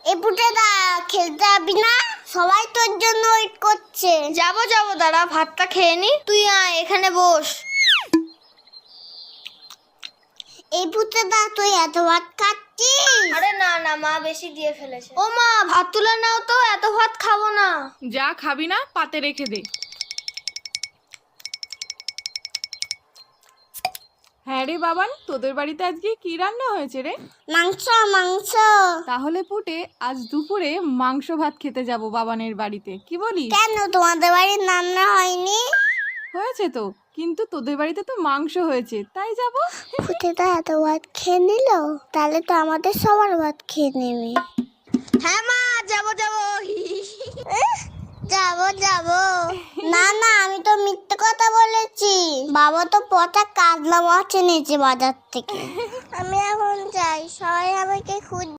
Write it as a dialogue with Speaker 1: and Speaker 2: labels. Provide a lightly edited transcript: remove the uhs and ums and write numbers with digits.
Speaker 1: এই পুটেদা খেলতে যাবি না? সবাই তোর জন্য ওয়েট করছে।
Speaker 2: যাবো দাঁড়া, ভাতটা খেয়ে নি। তুই আয় এখানে বস।
Speaker 1: এই পুটেদা তুই এত ভাত খাচ্ছিস?
Speaker 2: আরে না মা বেশি দিয়ে ফেলেছে। ও মা, ভাত তুলে নাও তো, এত ভাত খাবো না।
Speaker 3: যা খাবি না পাতে রেখে দে। হ্যাঁ রে বাবান, তোদের বাড়িতে আজকে কি রান্না হয়েছে রে?
Speaker 1: মাংস মাংস।
Speaker 3: তাহলে পুটে আজ দুপুরে মাংস ভাত খেতে যাব বাবানের বাড়িতে, কি বলিস?
Speaker 1: কেন তোমাদের বাড়ির রান্না হয়নি?
Speaker 3: হয়েছে তো, কিন্তু তোদের বাড়িতে তো মাংস হয়েছে, তাই যাব।
Speaker 1: পুটেদা এত ভাত খেয়ে নিল, তাহলে তো আমাদের সবার ভাত খেয়ে নেবে।
Speaker 2: হ্যাঁ মা, যাবো
Speaker 1: যাবো না না, আমি তো মিথ্যে কথা বলেছি। বাবা তো পচা কাজলা মাছ এনেছে বাজার থেকে। আমি এখন যাই, সবাই আমাকে খুঁজ